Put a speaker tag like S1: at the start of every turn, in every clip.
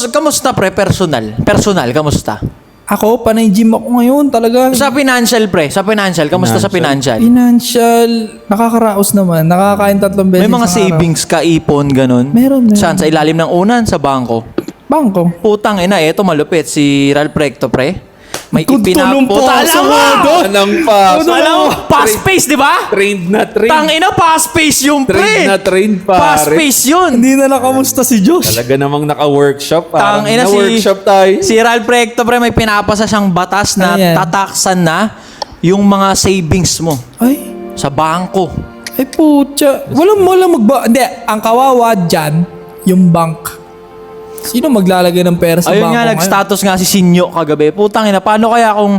S1: Kamusta pre? Personal, kamusta?
S2: Ako, panay gym ako ngayon talaga.
S1: Sa financial pre, kamusta sa financial?
S2: Financial, nakakaraos naman. Nakakain 3 beses
S1: May mga
S2: sa araw.
S1: savings ka, ipon, ganun?
S2: Meron.
S1: Saan? Sa ilalim ng unan? Sa bangko?
S2: Bangko.
S1: Putang ina, eto malupit. Si Ralph Recto pre. May
S2: Tulong po
S1: ipinaputa.
S2: sa
S1: Alam mo!
S2: modo.
S3: Anong pa?
S1: Alam mo, fast pace, di ba?
S3: Trained na trained.
S1: Tang ina, fast pace yung pre.
S3: Trained na trained,
S1: Fast
S3: pare.
S1: pace yun.
S2: Hindi na nakamusta si Josh.
S3: Talaga namang naka-workshop.
S1: Tang ina
S3: na-workshop tayo.
S1: Si Ralph Recto pre, may pinapasa siyang batas na
S2: Ano yan?
S1: tataksan na yung mga savings mo
S2: Ay,
S1: sa bangko.
S2: ay putya. Walang Hindi, ang kawawa dyan, yung bank. Sino maglalagay ng pera sa
S1: Ayun
S2: bangko
S1: nga,
S2: ngayon?
S1: nag-status nga si Sinyo kagabi. Putang ina, paano kaya kung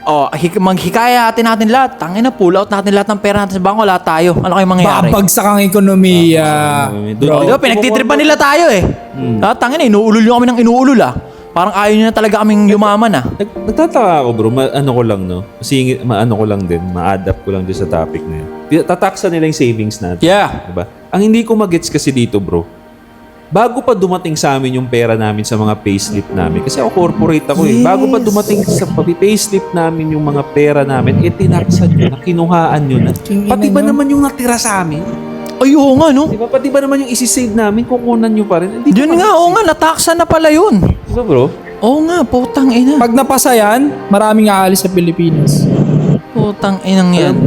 S1: maghikayatin natin lahat? Tangina, pull out natin lahat ng pera natin sa bangko, lahat tayo. Ano kayong mangyayari?
S2: Babagsak ang ekonomiya.
S1: Di ba, pinagtitripan nila tayo eh. Tangina, inuulol nyo kami ng inuulol ah. Parang ayaw nyo na talaga kaming yumaman ah.
S3: Nagtataka ako bro, ano ko lang no. Kasi maano ko lang din, ma-adapt ko lang din sa topic na yun. Tataksa nila yung savings natin.
S1: Yeah.
S3: Diba? Ang hindi ko magets kasi dito bro, bago pa dumating sa amin yung pera namin sa mga payslip namin, kasi ako corporate ako eh. Bago pa dumating sa payslip namin yung mga pera namin, tinaksan nyo na, kinuhaan nyo na. Pati ba naman yung natira sa amin?
S1: Ay, oo nga no.
S3: Diba? Pati ba naman yung isi-save namin, kukunan nyo pa rin? Hindi ko
S1: Yun nga, oo nga, nataksa na pala yun.
S3: Diba bro?
S1: Oo nga, putang ina.
S2: Pag napasa yan, maraming aalis sa Pilipinas.
S1: Putang inang yan.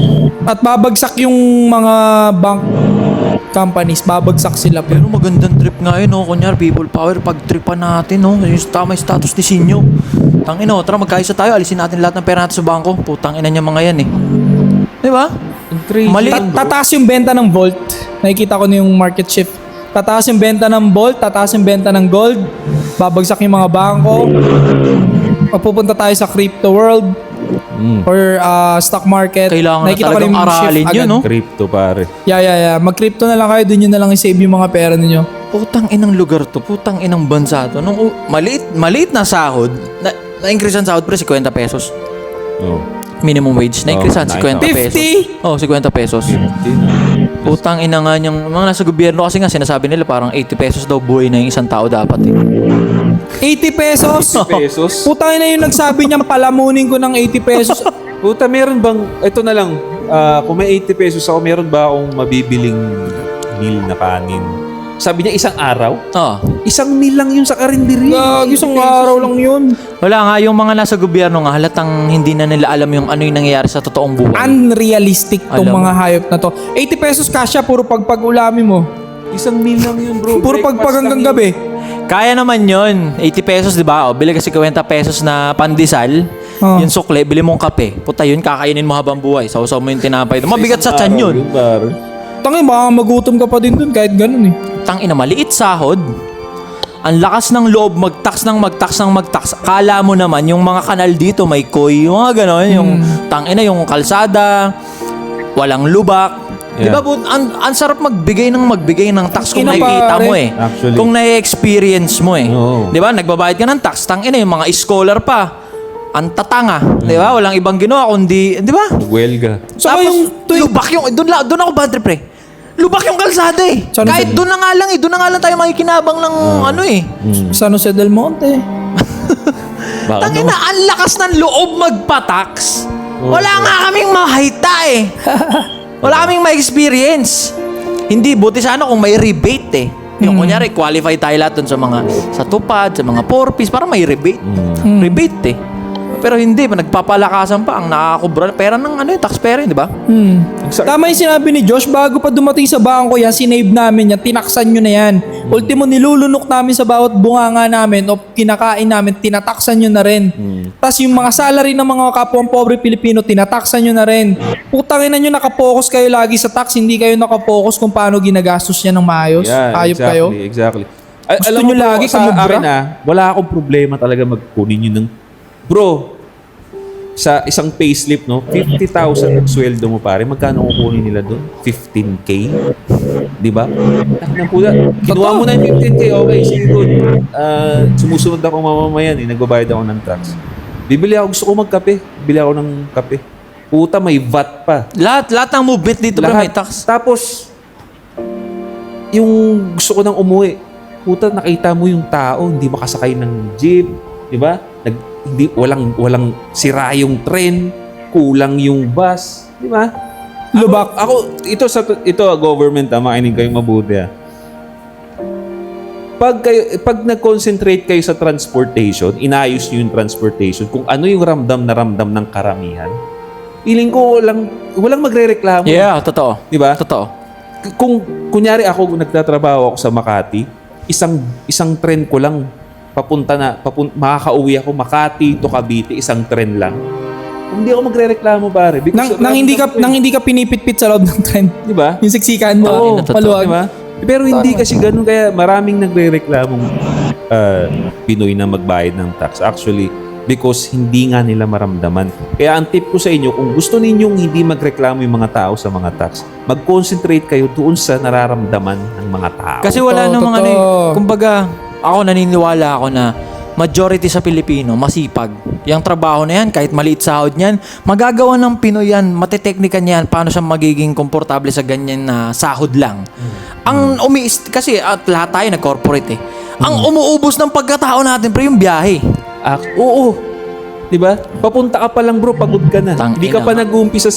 S2: At babagsak yung mga bank companies, babagsak sila.
S1: Pero magandang trip nga yun, no? Kunyar, people power, pag-tripan natin, no? Yung tama yung status ni Sinyo. Tang ina, tara magkaisa tayo, alisin natin lahat ng pera natin sa bangko. Putang ina niya mga yan eh. Di ba? Mali.
S2: Tataas yung benta ng Volt. Nakikita ko na yung market shift. Tataas yung benta ng Volt, tataas yung benta ng gold. Babagsak yung mga bangko. Pupunta tayo sa crypto world or stock market.
S1: Kailangan na
S2: Nakikita ko
S1: talagang
S2: yung
S1: aralin
S2: shift
S1: yun,
S2: agad.
S1: no?
S3: Crypto pare.
S2: Yeah. Mag-crypto na lang kayo, dun yun na lang i-save yung mga pera ninyo.
S1: Putang inang lugar to, putang inang bansa to. Nung maliit na sahod, na-increase ang sahod pre, 50 pesos.
S3: Oh.
S1: Minimum wage. Na-increase ang 50
S2: 50?
S1: pesos. Oh, 50 pesos. Putang ina nga yung mga nasa gobyerno kasi nga sinasabi nila parang 80 pesos daw buhay na yung isang tao dapat eh.
S2: 80 pesos?
S3: Pesos?
S2: Putang ina yung nagsabi niyang palamunin ko ng 80 pesos.
S3: Puta, meron bang, ito na lang, kung may 80 pesos ako, meron ba akong mabibiling meal na kanin? Sabi niya, isang araw?
S1: Oh.
S3: Isang meal lang yun sa karinderya.
S2: Isang araw lang yun.
S1: Wala nga, yung mga nasa gobyerno nga, halatang hindi na nila alam yung ano yung nangyayari sa totoong buhay.
S2: Unrealistic tong
S1: Alam
S2: mga hayop na to. 80 pesos kasya, puro pagpag-ulami mo.
S3: Isang meal lang yun, bro.
S2: Puro
S3: Breakfast
S2: pagpag hanggang
S3: lang
S2: gabi.
S1: Kaya naman yun, 80 pesos, di ba? O, bili ka 50 pesos na pandesal,
S2: Oh.
S1: yung sukle, bili mong kape. Puta yun, kakainin mo habang buhay. Sausaw mo yung tinapay.
S3: yun.
S1: Mabigat sa
S3: Isang
S1: tiyan
S3: araw
S1: yun.
S3: pare.
S2: Tangin, baka magutom ka pa din dun kahit ganun eh.
S1: Tangina, maliit sahod. Ang lakas ng loob, magtax. Kala mo naman, yung mga kanal dito, may koy, yung mga gano'n, yung tangina, yung kalsada, walang lubak. Di ba, ang sarap magbigay ng tax kung
S2: Ina,
S1: nakikita
S2: pare.
S1: mo eh.
S3: Actually.
S1: Kung na-experience mo eh.
S3: Oo.
S1: Di ba, nagbabayad ka ng tax, tangina, yung mga scholar pa. Ang tatanga. Di ba, walang ibang ginawa kundi, di ba?
S3: Huwelga.
S2: Saka
S1: Tapos,
S2: yung
S1: lubak yung, doon ako bad trip eh. Lubak yung kalsada eh.
S2: Saan
S1: Kahit
S2: sa-
S1: doon na nga lang eh. Doon na nga lang tayo makikinabang ng ano eh.
S2: San Jose del Monte.
S1: Tangina, ang lakas ng loob magpa-tax. Wala nga kaming mahita eh. Wala kaming ma-experience. Hindi, buti sana kung may rebate eh. Yung kunyari, qualify tayo lahat dun sa tupad, sa mga 4-piece, para may rebate. Rebate eh. Pero hindi, nagpapalakasan pa ang nakakubra pera ng taxpayer, di ba?
S2: Tama yung sinabi ni Josh, bago pa dumating sa bangko yan, sinave namin yan, tinaksan nyo na yan. Ultimo, nilulunok namin sa bawat bunganga namin o kinakain namin, tinataksan nyo na rin. Tapos yung mga salary ng mga kapwang pobre Pilipino, tinataksan nyo na rin. Putangin na nyo, nakapokus kayo lagi sa tax, hindi kayo nakapokus kung paano ginagastos yan ng maayos. Ayop kayo.
S3: Exactly.
S2: Gusto
S3: Alam mo
S2: nyo
S3: po,
S2: lagi
S3: sa
S2: kamubra?
S3: akin wala akong problema talaga magkunin yun ng... Bro, sa isang payslip, no, 50,000 ang sweldo mo pare, magkano kukunin nila doon? 15K? Di ba? Nang puta, kinuha mo na yung 15K, okay, sige good. Sumusunod ako mamamayan, nagbabayad ako ng tax. Bibili ako, gusto ko magkape. Bibili ako ng kape. Puta, may VAT pa.
S1: Lahat ng movement dito pa may tax.
S3: Tapos, yung gusto ko nang umuwi, puta, nakita mo yung tao, hindi makasakay ng jeep, di ba? Walang sira yung tren, kulang yung bus, di ba?
S2: Lubak.
S3: Ito government, makinig kayo mabuti. Pag nag-concentrate kayo sa transportation, inayos niyo yung transportation, kung ano yung ramdam ng karamihan, feeling ko walang magrereklamo.
S1: Yeah, totoo.
S3: Di ba?
S1: Totoo.
S3: Kung kunyari nagtatrabaho ako sa Makati, isang tren ko lang makakauwi ako Makati to Cavite, isang tren lang. Hindi ako magrereklamo pare.
S2: Nang hindi ka pinipitpit sa loob ng trend.
S3: di ba?
S2: Yung siksikan mo.
S3: Oo,
S2: Maluwag.
S3: di ba? Pero hindi kasi ganun, kaya maraming nagrereklamong Pinoy na magbayad ng tax. Actually, because hindi nga nila maramdaman. Kaya ang tip ko sa inyo, kung gusto ninyong hindi magreklamo yung mga tao sa mga tax, mag-concentrate kayo doon sa nararamdaman ng mga tao.
S1: Kasi wala
S2: Totoo,
S1: namang ano eh.
S2: totoo.
S1: Kumbaga, ako naniniwala ako na majority sa Pilipino, masipag. Yung trabaho na yan, kahit maliit sahod niyan, magagawa ng Pinoy yan, mateteknikan yan, paano siya magiging komportable sa ganyan na sahod lang. Ang kasi at lahat tayo nag-corporate eh. Ang umuubos ng pagkatao natin, pre, yung biyahe.
S3: Oo. 'Di ba? Papunta ka pa lang, bro, pagod ka na. Hindi ka pa nag-uumpisa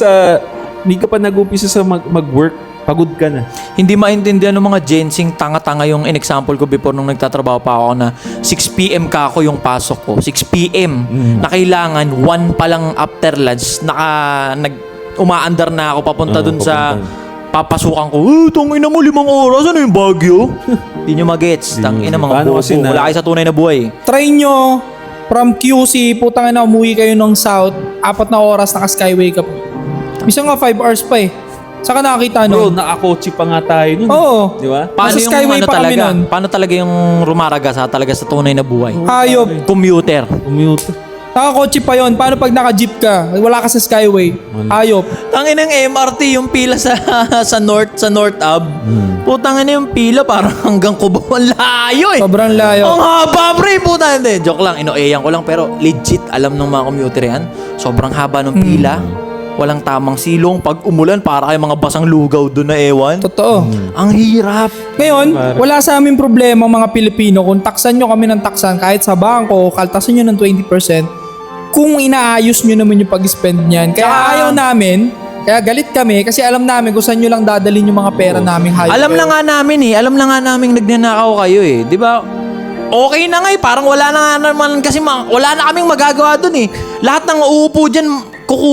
S3: sa mag-work, pagod ka na.
S1: Hindi maintindihan ng mga gensing tanga-tanga yung in-example ko before nung nagtatrabaho pa ako na 6 p.m. ka ako yung pasok ko. 6 p.m. Na kailangan 1 pa lang after lunch umaandar na ako papunta dun sa papasukan ko. Tangina mo 5 oras, ano yung Baguio? Hindi nyo magets. Tangina mga
S3: Paano
S1: bobo.
S3: kasi
S1: Wala kayo sa tunay na buhay.
S2: Try nyo from QC, putang ina, umuwi kayo ng South, 4 na oras naka-skyway ka po. Minsan nga 5 hours pa eh. Saka nakakita
S3: Bro,
S2: nun.
S3: nakakotse pa nga tayo nun.
S2: Oo.
S3: Di ba?
S1: Paano
S2: Nasa
S1: yung
S2: skyway
S1: ano
S2: pa kami
S1: talaga?
S2: nun.
S1: Paano talaga yung rumaraga talaga sa tunay na buhay?
S2: Hayop.
S1: Commuter.
S3: Commute.
S2: Nakakotse pa yon. Paano pag naka-jeep ka? Wala ka sa skyway. Hayop.
S1: Tangin ng MRT yung pila sa North Ave. Putang ina yung pila parang hanggang Cubao. Ang layo eh.
S2: Sobrang layo.
S1: Ang haba, pre. Puta, hindi. Joke lang. Inoeyan ko lang. Pero legit, alam ng mga commuter yan. Sobrang haba ng pila. Walang tamang silong. Pag umulan, para kayo mga basang lugaw doon na ewan.
S2: Totoo.
S1: Ang hirap.
S2: Ngayon, wala sa amin problema mga Pilipino kung taksan nyo kami ng taksan kahit sa bangko, kaltasan nyo ng 20%, kung inaayos nyo naman yung pag-spend niyan. Kaya ayaw namin, kaya galit kami kasi alam namin kung saan nyo lang dadalhin yung mga pera naming hayop.
S1: Alam na nga namin nagnanakaw kayo eh. Di ba? Okay na nga eh. Parang wala na nga naman kasi wala na kaming magagawa dun eh. Lahat ng uupo dyan,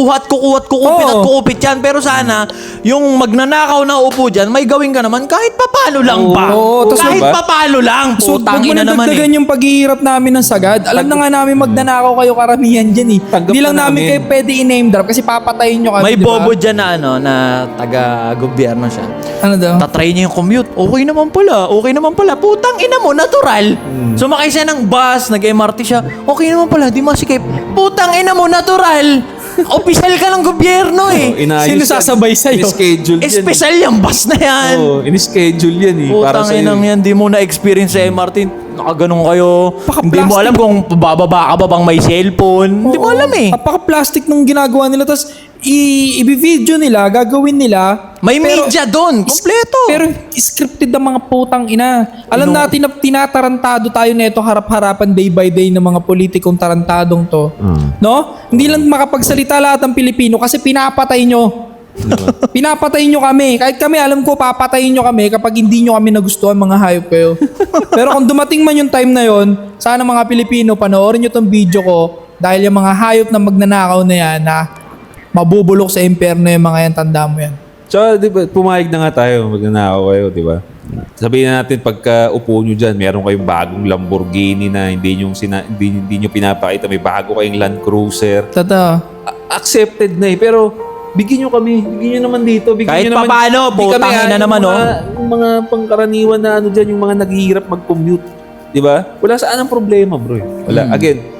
S1: kukupit yan. Pero sana, yung magnanakaw na uupo dyan, may gawin ka naman kahit papalo lang ba?
S2: Oo, tas
S1: kahit
S3: diba?
S1: papalo lang.
S2: So,
S1: Putang
S2: wag mo
S1: ina
S2: na
S1: naman
S2: dagdagan
S1: eh.
S2: yung paghihirap namin ng sagad. Alam na nga namin magnanakaw kayo karamihan dyan eh.
S3: Tanggap
S2: Hindi lang
S3: na
S2: namin
S3: namin.
S2: kayo pwede i-name drop kasi papatayin nyo kami,
S1: May
S2: di ba?
S1: bobo dyan na na taga-gobyerno siya.
S2: Ano daw?
S1: Tatry niya yung commute. Okay naman pala. Putang ina mo, natural. Sumakay siya ng bus, nag-MRT siya. Okay naman pala, di masikip. Putang ina mo, natural. Official ka ng gobyerno eh.
S2: Sino sasabay sa'yo?
S3: In-schedule yan.
S1: Espesyal yung bus na yan.
S3: Oo, in-schedule yan eh. Para
S1: Putang
S3: sa'yo.
S1: inang yan, di mo na-experience sa MRT. Nakaganong kayo. Hindi mo alam kung bababa ka ba bang may cellphone. Hindi mo alam eh.
S2: Napaka-plastic nung ginagawa nila. Tapos, i-video nila, gagawin nila.
S1: May media doon. Kompleto.
S2: Pero scripted ang mga putang ina. Alam natin na tinatarantado tayo neto harap-harapan day by day ng mga politikong tarantadong to. No? Hindi lang makapagsalita lahat ng Pilipino kasi pinapatay nyo. Pinapatay nyo kami. Kahit kami, alam ko, papatayin nyo kami kapag hindi nyo kami nagustuhan, mga hayop kayo. Pero kung dumating man yung time na yon, sana mga Pilipino, panoorin nyo tong video ko dahil yung mga hayop na magnanakaw na yan na mabubulok sa impyerno yung mga yan, tanda mo yan.
S3: So, di ba, pumayag na nga tayo, magnanakaw kayo, di ba? Sabihin na natin, pagka upo nyo dyan, meron kayong bagong Lamborghini na hindi nyo pinapakita, may bago kayong Land Cruiser.
S2: Totoo.
S3: Accepted na eh, pero bigyan nyo naman dito.
S1: Kahit papaano, putang ina naman, oh.
S3: Yung mga pangkaraniwan na ano dyan, yung mga naghihirap mag-commute. Di ba? Wala saan ang problema, bro. Wala. Again,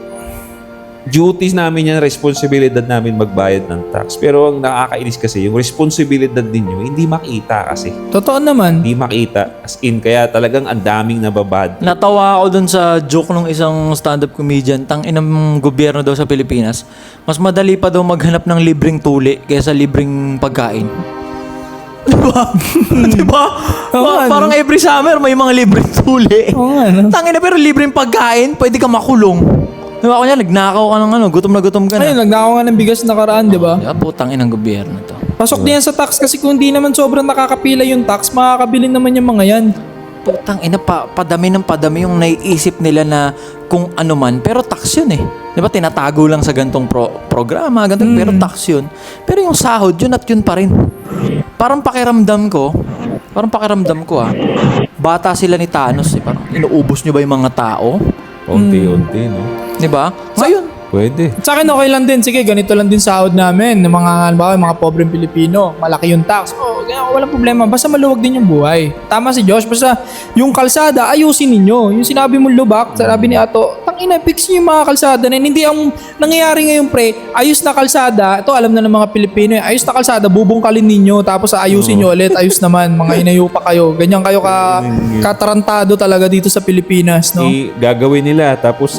S3: duties namin yan, responsibilidad namin magbayad ng tax. Pero ang nakakainis kasi, yung responsibilidad ninyo, hindi makita kasi.
S2: Totoo naman.
S3: Hindi makita. As in, kaya talagang ang daming nababad.
S1: Natawa ako dun sa joke ng isang stand-up comedian, tang inang gobyerno daw sa Pilipinas, mas madali pa daw maghanap ng libreng tuli kaysa libreng pagkain. Diba? Diba?
S2: Oo, ano?
S1: Parang every summer may mga libreng tuli.
S2: Oo nga, no?
S1: Tangina, pero libreng pagkain, pwede ka makulong. Diba, kunya, nagnakaw ka ng gutom na gutom ka na.
S2: Ayun, nagnakaw nga ng bigas nakaraan, di ba?
S1: Diba, putang inang gobyerno to.
S2: Pasok diyan sa tax kasi kung di naman sobrang nakakapila yung tax, makakabili naman yung mga yan.
S1: Putang ina, padami ng padami yung naiisip nila na kung ano man, pero tax yun eh. Diba, tinatago lang sa gantong programa, gantong, pero tax yun. Pero yung sahod, yun at yun pa rin. Parang pakiramdam ko bata sila ni Thanos eh. Parang inuubos nyo ba yung mga tao?
S3: Unti-unti, no?
S1: Diba? Ngayon,
S3: Pwede.
S2: Sa akin okay lang din. Sige, ganito lang din sahod namin ng mga, halimbawa, yung mga pobreng Pilipino. Malaki yung tax. Walang problema. Basta maluwag din yung buhay. Tama si Josh. Basta yung kalsada, ayusin ninyo. Yung sinabi mo lubak, sabi ni Ato, tangina, fix nyo yung mga kalsada na yun. Hindi ang nangyayari ngayon, pre, ayos na kalsada. Ito, alam na ng mga Pilipino. Ayos na kalsada, bubungkalin ninyo. Tapos ayusin nyo ulit. Ayos naman. Mga inayo pa kayo. Ganyan kayo katarantado talaga dito sa Pilipinas, no?
S3: Gagawin nila, tapos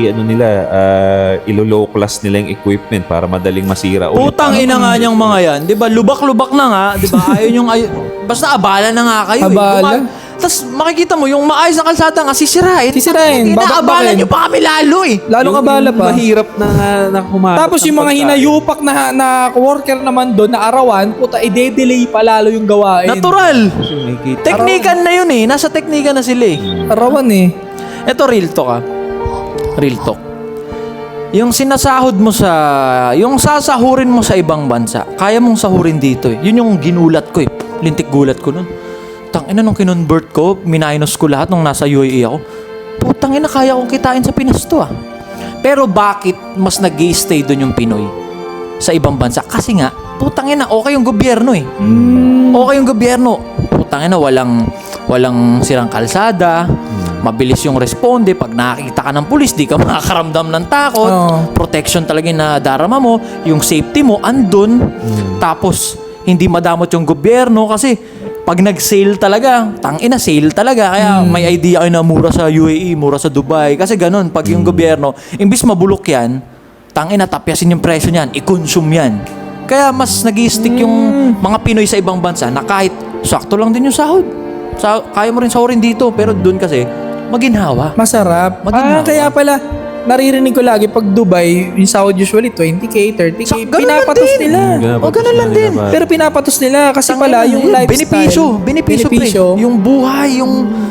S3: ilo-low class nila yung equipment para madaling masira ulit.
S1: putang ina nga niyang mga yan. Diba, lubak-lubak na nga. Diba, basta abala na nga kayo.
S2: Abala?
S1: Tapos makikita mo, yung maayos na kalsada nga, sisirain.
S2: Sisirain,
S1: Inaabala
S2: babakbakin.
S1: nyo pa kami lalo eh.
S2: Lalong abala pa.
S3: Mahirap na humarap.
S2: Tapos yung mga hinayupak na worker naman doon na arawan, puta, i-delay pa lalo yung gawain.
S1: Natural.
S3: Teknik.
S1: Teknikan na yun eh. Nasa teknikan na sila eh.
S2: Arawan eh.
S1: Ito real talk ah. Real talk. Yung sinasahod mo yung sasahurin mo sa ibang bansa, kaya mong sahurin dito eh. Yun yung ginulat ko eh. Lintik gulat ko nun. Tangina nung kinonvert ko, minus ko lahat nung nasa UAE ako. Putang ina, kaya kong kitain sa Pinas to ah. Pero bakit mas nag-stay doon yung Pinoy sa ibang bansa? Kasi nga, putang ina, okay yung gobyerno eh. Okay yung gobyerno. Putang ina, walang sirang kalsada. Mabilis yung responde. Pag nakakita ka ng pulis, di ka makakaramdam ng takot. Protection talaga yung nadarama mo. Yung safety mo, andun. Tapos, hindi madamot yung gobyerno kasi pag nag-sale talaga, tangina, sale talaga. Kaya may idea kayo na mura sa UAE, mura sa Dubai. Kasi ganun, pag yung gobyerno, imbis mabulok yan, tangina, tapyasin yung presyo niyan, i-consume yan. Kaya mas nag-i-stick yung mga Pinoy sa ibang bansa na kahit sakto lang din yung sahod. Kaya mo rin sahurin dito, pero doon kasi, maginhawa.
S2: Masarap.
S1: Maginawa.
S2: Kaya pala, naririnig ko lagi pag Dubai, yung sahod usually 20k, 30k.
S1: Ganun lang
S2: Pinapatos
S1: din.
S2: nila.
S1: O, ganun lang din.
S2: Pero pinapatos nila kasi pala yung lifestyle.
S1: Benepisyo pre. Yung buhay,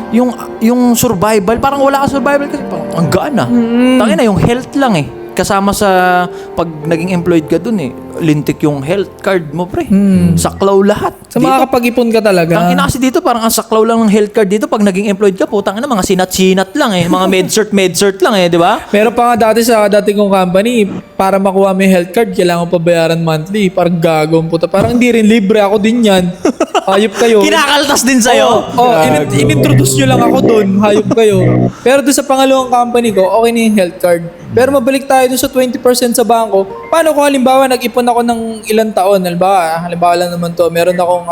S1: yung survival, parang wala ka survival kasi parang ang gaan ah. Tangina, yung health lang eh. Kasama sa pag naging employed ka dun eh, lintik yung health card mo pre. Saklaw lahat.
S2: So makakapag-ipon ka talaga.
S1: Ang ina kasi dito, parang ang saklaw lang ng health card dito pag naging employed ka, putang ina, mga sinat-sinat lang eh. Mga med-cert lang eh, di ba?
S2: Meron pa nga dati sa dati kong company, para makuha mo yung health card, kailangan pa bayaran monthly. Parang gagawin puta. Parang hindi rin libre ako din yan. Hayop kayo.
S1: Kinakaltas din sa'yo.
S2: In-introduce nyo lang ako doon. Hayop kayo. Pero doon sa pangalawang company ko, okay na yung health card. Pero mabalik tayo doon sa 20% sa bangko. Paano kung halimbawa nag-ipon ako ng ilang taon? Halimbawa lang naman to. Meron akong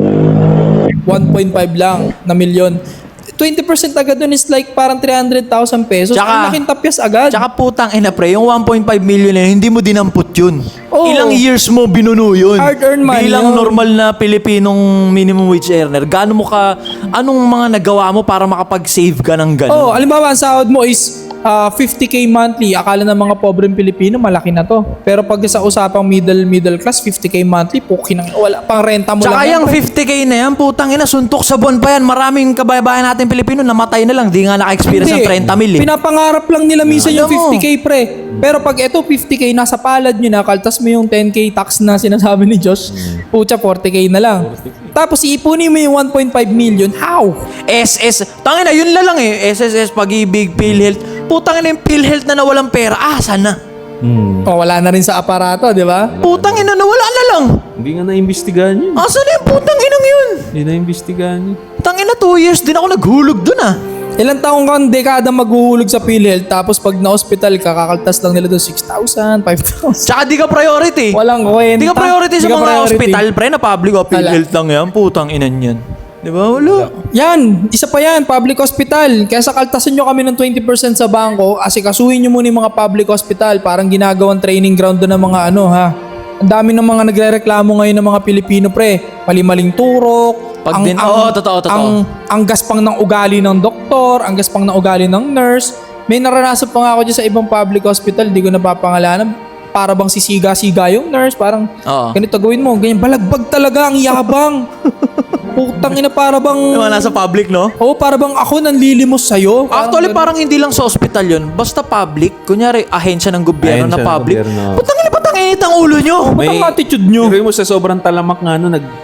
S2: 1.5 lang na milyon. 20% agad doon is like parang 300,000 pesos. Ang laking tapyas agad.
S1: Tsaka putang ina pre, yung 1.5 million na yun, hindi mo dinamput yun.
S2: Oo.
S1: Ilang years mo binuno yun.
S2: Hard-earned money
S1: Bilang
S2: yun.
S1: normal na Pilipinong minimum wage earner, anong mga nagawa mo para makapag-save ka ng ganun?
S2: Oh, halimbawa ang sahod mo is 50k monthly. Akala ng mga pobreng Pilipino malaki na to. Pero pag sa usapang middle class, 50k monthly, wala pang renta mo
S1: Tsaka
S2: lang.
S1: yung 50k na yan, putang ina, suntok sa buwan pa yan. Maraming kababayan natin Pilipino namatay na lang. Di nga naka-experience ng 30 mil eh.
S2: Pinapangarap lang nila minsan
S1: Alam
S2: yung
S1: mo.
S2: 50k pre. Pero pag ito 50k nasa palad nyo na, kaltas mo yung 10k tax na sinasabi ni Josh, pucha 40k na lang. Tapos iipunin mo yung 1.5 million. How?
S1: SS, tangina, yun lang eh. SSS, Pag-ibig, PhilHealth. Putang ina yung PhilHealth na nawalang pera. Asa na?
S2: Oh, wala na rin sa aparato, di ba?
S1: Putang ina, nawala na lang.
S3: Hindi nga na-imbestigahan yun.
S1: Asa na yung putang inang yun?
S3: Hindi na-imbestigahan yun.
S1: Tangina, 2 years din ako naghulog dun ah.
S2: Ilang taong kang dekada maghuhulog sa PhilHealth, tapos pag na-hospital ka, kakaltas lang nila doon 6,000, 5,000.
S1: Tsaka di ka priority.
S2: Walang kwenta.
S1: Di ka priority sa
S2: Di ka
S1: mga
S2: priority.
S1: hospital, pre, na public o PhilHealth lang yan. Putang inan yan. Di ba? Wala.
S2: Yan, isa pa yan, public hospital. Kaya sa kaltasan nyo kami ng 20% sa bangko, asikasuhin nyo muna yung mga public hospital. Parang ginagawang training ground doon ng mga Ang dami ng mga nagrereklamo ngayon ng mga Pilipino, pre. Mali-maling turok.
S1: Totoo.
S2: Ang gaspang ng ugali ng doktor, ang gaspang ng ugali ng nurse. May naranasan pa nga ako dyan sa ibang public hospital, di ko napapangalanan. Para bang sisiga-siga yung nurse, parang ganito gawin mo, ganyan. Balagbag talaga, ang yabang. Putang ina, para bang...
S1: Diba, nasa public, no?
S2: Oo, para bang ako nanlilimos sa'yo.
S1: Actually, parang hindi lang sa ospital yun. Basta public. Kunyari, ahensya ng gobyerno na
S3: Ahensya ng
S1: public.
S3: gobyerno.
S1: Putang ina, ba't ang init ang ulo nyo?
S2: Ba't ang attitude nyo?
S3: Pero mo sa sobrang talamak nga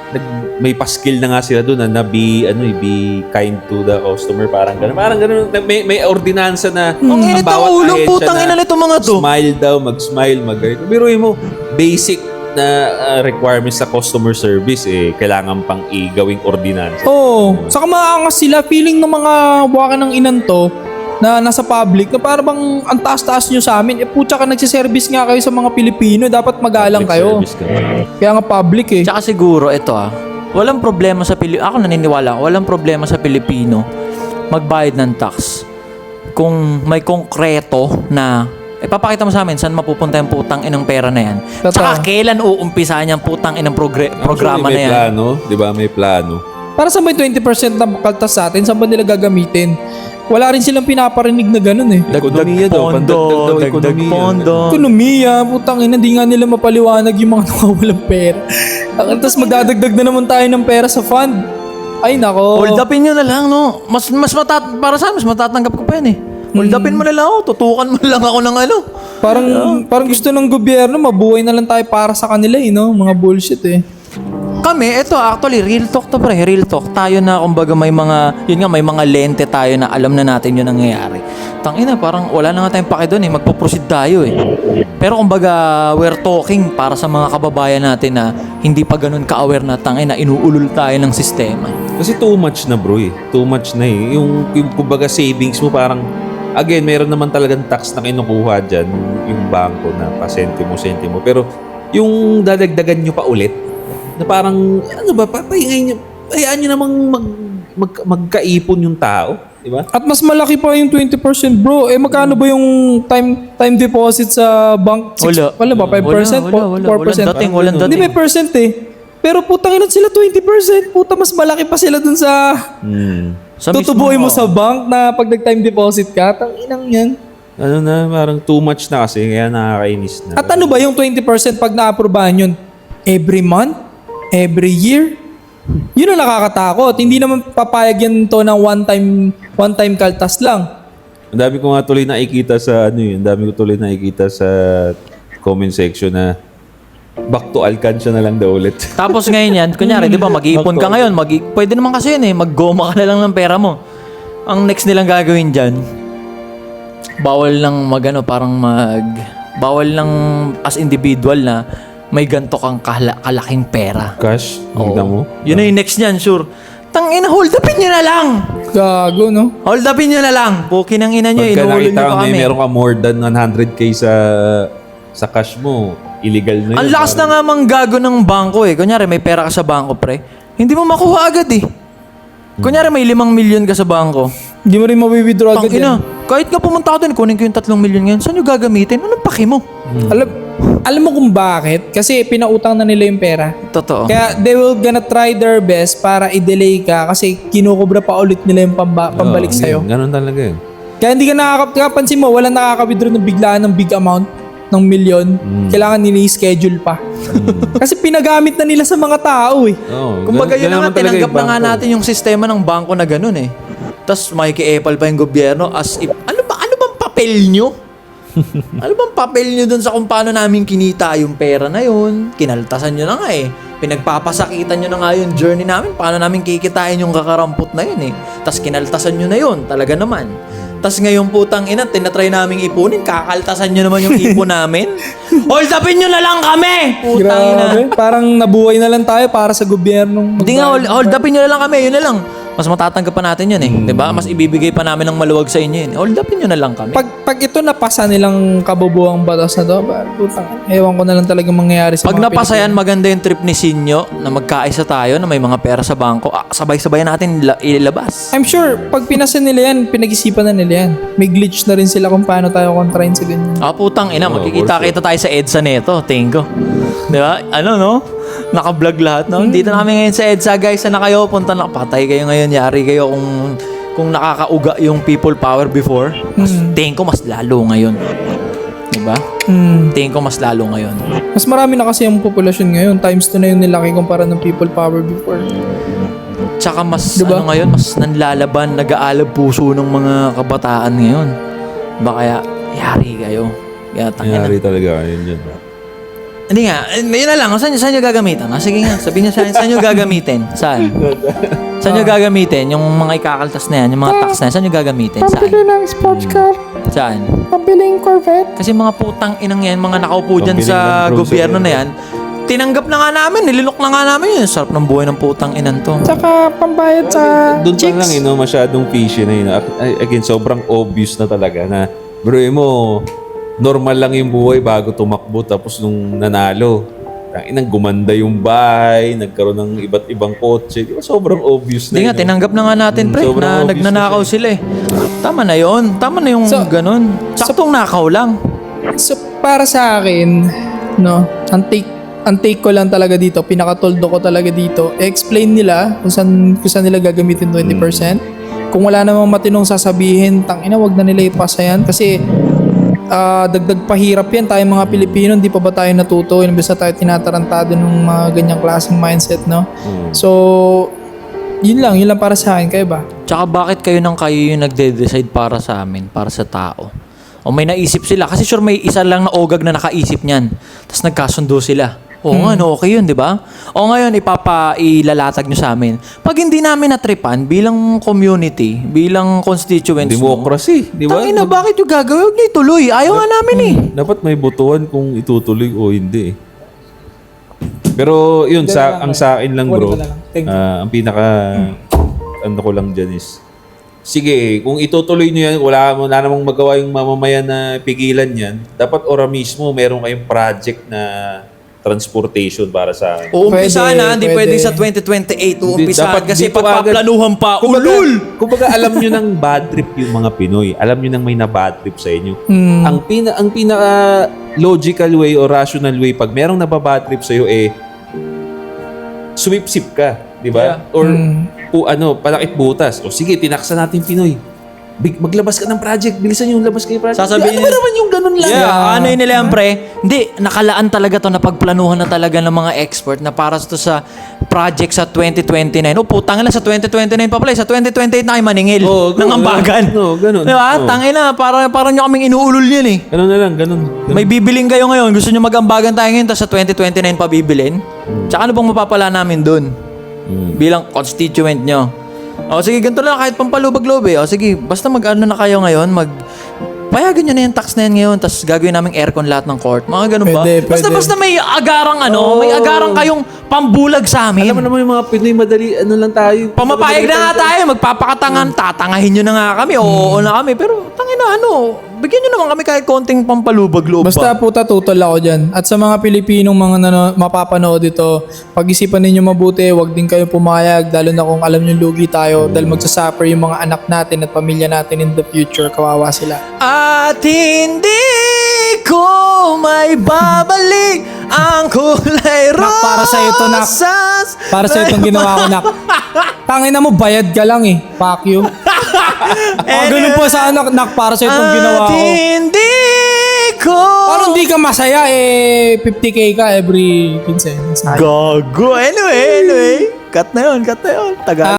S3: may paskill na nga sila doon na be kind to the customer, parang gano'n. May ordinansa na
S1: Ang init ang ulo, putang ina nito mga to.
S3: Smile daw, mag-smile, mag-ganito. Biruin mo, basic na requirements sa customer service kailangan pang igawing ordinansa.
S2: Oo. Saka maangas sila. Feeling ng mga buwaka ng inan to na nasa public na parang bang ang taas-taas nyo sa amin. Putya ka nagsiservice nga kayo sa mga Pilipino. Dapat magalang kayo.
S3: Service ka.
S2: Kaya nga public eh.
S1: Tsaka siguro, ito walang problema sa Pilipino. Ako naniniwala, walang problema sa Pilipino magbayad ng tax. Kung may konkreto na papakita mo sa amin saan mapupunta yung putang inang pera na yan.
S2: Totoo.
S1: Tsaka kailan uumpisahan yung putang inang programa na
S3: May
S1: yan.
S3: plano, di ba? May plano.
S2: Para sa may 20% na kaltas sa atin, saan ba nila gagamitin? Wala rin silang pinaparinig na ganun eh.
S3: Ekonomiya daw, pandagdag daw ekonomiya.
S2: Ekonomiya, putang ina, di nga nila mapaliwanag yung mga nawawalang pera. Tapos magdadagdag na naman tayo ng pera sa fund. Ay nako.
S1: Hold upin nyo na lang, no? Para sa amin, mas matatanggap ko pa yan eh. Hold upin mo na lang ako, tutukan mo lang ako ng ano.
S2: Parang gusto ng gobyerno, mabuhay na lang tayo para sa kanila eh, no? Mga bullshit eh.
S1: Kami, ito actually, real talk to pre, real talk. Tayo na, kumbaga may mga lente tayo na alam na natin yung nangyayari. Tangina, parang wala na nga tayong pake doon eh, magpo-proceed tayo eh. Pero kumbaga, we're talking para sa mga kababayan natin na hindi pa ganun ka-aware na tangina, inuulol tayo ng sistema.
S3: Kasi too much na bro eh. Too much na eh. Yung kumbaga savings mo parang, again, meron naman talagang tax na kinukuha dyan, yung bangko na pa-sentimo. Pero yung dadagdagan nyo pa ulit, na parang, ano ba, hayaan nyo namang magkaipon yung tao. Diba?
S2: At mas malaki pa yung 20% bro. Eh magkano ba yung time deposit sa bank? Wala ba? 5%? 4%?
S1: Walang dating.
S2: Hindi may percent eh. Pero putang ina sila 20%. Puta mas malaki pa sila dun sa...
S1: Sa
S2: tutubuhin
S1: mismo,
S2: mo sa bank na pag nag-time deposit ka. Tang inang yan.
S3: Ano na, parang too much na kasi, kaya nakakainis na.
S2: At ano ba yung 20% pag na-aprobahan yun? Every month? Every year? Yun ang nakakatakot. Hindi naman papayag yan to ng one time kaltas lang.
S3: Ang dami ko nga tuloy nakikita sa comment section na back to Alcancia na lang daw ulit.
S1: Tapos ngayon yan, kunyari, di ba, mag-iipon ka ngayon, pwede naman kasi yun eh, maggoma ka na lang ng pera mo. Ang next nilang gagawin dyan, bawal lang bawal lang as individual na may ganto kang kalaking pera.
S3: Cash, kita mo?
S1: Yun na yung next niyan, sure. Tangina, hold upin nyo na lang!
S2: Gago, no?
S1: Hold upin nyo na lang! Pukin ang ina nyo,
S3: Pagka
S1: inuulin
S3: nakita
S1: nyo
S3: ka
S1: pa kami.
S3: meron ka more than 100k sa cash mo, illegal na yun.
S1: Ang lakas na nga mang gago ng bangko eh. Kunyari, may pera ka sa bangko, pre. Hindi mo makuha agad eh. Kunyari, may 5 million ka sa bangko.
S2: Hindi mo rin mawi-withdraw agad
S1: Tangina,
S2: yan.
S1: kahit nga pumunta ka doon, kunin ko yung 3 million ngayon. Saan nyo gagamitin? Anong paki mo?
S2: Alam mo kung bakit? Kasi pinautang na nila yung pera.
S1: Totoo.
S2: Kaya they will gonna try their best para i-delay ka kasi kinukubra pa ulit nila yung pambalik sa'yo.
S3: Ganun talaga eh.
S2: Kaya hindi ka nakakapansin mo, walang nakaka-withdraw ng biglaan ng big amount ng milyon. Kailangan nini-schedule pa. Kasi pinagamit na nila sa mga tao eh.
S1: Kumbaga yun na nga, tinanggap na nga natin yung sistema ng bangko na ganun eh. Tapos makiki-epal pa yung gobyerno as if, ano bang papel nyo? Ano bang papel nyo dun sa kung paano namin kinita yung pera na yun? Kinaltasan nyo na nga eh. Pinagpapasakitan nyo na nga yung journey namin. Paano namin kikitain yung kakarampot na yun eh. Tapos kinaltasan nyo na yun. Talaga naman. Tapos ngayon putang ina, tinatry naming ipunin. Kakaltasan nyo naman yung ipon namin. Hold upin nyo na lang kami! Putang ina.
S2: Grabe. Parang nabuhay na lang tayo para sa gobyernong...
S1: Hindi nga, hold upin nyo na lang kami. Yun na lang. Mas matatanggap pa natin yun eh. Di ba? Mas ibibigay pa namin ng maluwag sa inyo yun. Hold upin nyo na lang kami.
S2: Pag ito napasa nilang kabubuang batas na to, putang, ewan ko na lang talaga mangyayari sa
S1: Pag
S2: mga
S1: napasa yan,
S2: Pilipino.
S1: maganda yung trip ni Sinyo na magkaisa tayo na may mga pera sa bangko. Sabay-sabay natin ilabas.
S2: I'm sure, pag pinasa nila yan, pinag-isipan na nila yan. May glitch na rin sila kung paano tayo kontrahin sa ganyan.
S1: Putang ina,
S3: Oo,
S1: magkikita-kita tayo sa EDSA neto, tingko. Di ba? Ano no? Naka-vlog lahat no? Dito na kami ngayon sa EDSA guys. Sana kayo, punta na. Patay kayo ngayon. Yari kayo kung nakakauga yung people power before. Mas tingin ko mas lalo ngayon. Di ba? Tingin ko mas lalo ngayon.
S2: Mas marami na kasi ang populasyon ngayon. Times 2 na yung nilaki kumpara ng people power before.
S1: Tsaka mas
S2: Diba?
S1: ano ngayon, mas nanlalaban, nag-aalab puso ng mga kabataan ngayon. Ba kaya, yari kayo. Kaya tangina.
S3: Nangyari talaga yun yun.
S1: Hindi nga, yun na lang. Saan nyo gagamitin? Sige nga, sabihin nyo saan nyo gagamitin? Saan? Saan nyo gagamitin? Yung mga ikakaltas na yan, yung mga tax na yan, saan nyo gagamitin? Saan?
S2: Pambili ng sports car.
S1: Saan?
S2: Pambiling Corvette.
S1: Kasi mga putang inang yan, mga nakaupo dyan
S3: Pambili
S1: sa
S3: ng grocery.
S1: gobyerno na yan, tinanggap na nga namin, nililok na nga namin yun. Sarap ng buhay ng putang inan to.
S2: Tsaka pambayad sa
S3: Doon pa
S2: chicks.
S3: lang, masyadong fishy na yun. Again, sobrang obvious na talaga na, bro, normal lang yung buhay bago tumakbo tapos nung nanalo. Inang gumanda yung bahay, nagkaroon ng iba't ibang kotse. Di ba sobrang obvious na
S1: Hindi nga,
S3: yun,
S1: tinanggap na nga natin, pre,
S3: sobrang
S1: na
S3: obvious
S1: nagnanakaw
S3: na
S1: sila eh. Tama na yon. Tama na yung
S2: So-
S1: ganun. Saktong nakaw lang.
S2: So, para sa akin, no, ang take ko lang talaga dito, pinakatoldo ko talaga dito, explain nila kung saan nila gagamitin 20%. Kung wala namang matinong sasabihin, tangina, wag na nila ipasa yan. Kasi, dagdag pahirap yan. Tayo mga Pilipino, hindi pa ba tayo natuto? Imbes na tayo tinatarantado ng mga ganyang klaseng mindset, no? So, yun lang para sa akin. Kayo ba?
S1: Tsaka bakit kayo yung nagde-decide para sa amin, para sa tao? O may naisip sila. Kasi sure may isa lang na ogag na nakaisip niyan. Tapos nagkasundo sila. Oo nga, no, okay yun, di ba? O ngayon, ilalatag nyo sa amin. Pag hindi namin natripan bilang community, bilang constituents mo,
S3: Democracy, di ba?
S1: tangina, bakit yung gagawin? Huwag niyo ituloy. Ayaw nga namin eh.
S3: Dapat may botohan kung itutuloy o hindi. Pero yun, ang sa akin lang, bro,
S2: Wala lang. Thank you.
S3: ang pinaka, ano ko lang dyan is, sige, kung itutuloy nyo yan, wala namang magawa yung mamamayan na pigilan yan, dapat ora mismo meron kayong project na transportation para sa akin.
S1: Uumpisa
S2: Pwede,
S1: na, hindi
S2: pwede.
S1: pwedeng sa 2028 uumpisa
S3: Dapat
S1: kasi
S3: dito
S1: pagpaplanuhan pa.
S3: Kumbaga,
S1: Ulul!
S3: kumbaga alam nyo ng bad trip yung mga Pinoy. Alam nyo nang may na bad trip sa inyo. Ang pinaka logical way or rational way pag merong nababad trip sa iyo sumipsip ka, di ba?
S1: Yeah.
S3: Or palakit butas. O sige, tinaksa natin Pinoy. Maglabas ka ng project. Bilisan yung labas kayo project.
S1: Sasabihin
S3: ano ba naman yung ganun lang?
S1: Yeah, ano yun nila yan, pre? Hindi, nakalaan talaga to na pagplanuhan na talaga ng mga expert na para to sa project sa 2029. O putang ina, sa 2029 pa pala. Sa 2028 na kayo maningil ng ambagan.
S3: ganun.
S1: Di ba?
S3: Oo.
S1: Tangin na, parang nyo kaming inuulol yun eh.
S3: Ganun na lang, ganun.
S1: May bibiling kayo ngayon. Gusto nyo mag-ambagan tayo ngayon, tapos sa 2029 pa bibilin? Tsaka ano bang mapapala namin dun? Bilang constituent nyo. O sige, ganito lang, kahit pampalubag-loob eh. O sige, basta mag-ano na kayo ngayon, payagan nyo na yung tax na yan ngayon, tapos gagawin namin aircon lahat ng court. Mga ganun ba?
S2: Pwede.
S1: Basta may agarang may agarang kayong pambulag sa amin.
S3: Alam mo naman yung mga Pinoy, madali, ano lang tayo.
S1: Pamapayag na nga tayo, magpapakatangan, tatangahin nyo na nga kami, oo na kami. Pero tangina bigyan nyo naman kami kahit konting pampalubag-loob
S2: Basta
S1: ba?
S2: puta, tutol ako dyan. At sa mga Pilipinong mga mapapanood ito, pag-isipan ninyo mabuti, wag din kayo pumayag, lalo na kung alam nyo lugi tayo, dahil magsasuffer yung mga anak natin at pamilya natin in the future, kawawa sila.
S1: At hindi ko may babalik ang kulay
S2: Nak, para sa'yo to, Nak.
S1: rosas.
S2: Para sa itong ginawa ko, Nak. Tangina mo, bayad ka lang eh. Fuck you. Ganun po sa anak, Nak, para sa itong ginawa
S1: At
S2: ko.
S1: hindi ko
S2: Parang hindi ka masaya 50k ka every 15.
S1: Gago. Anyway. Cut na yun. Tagal.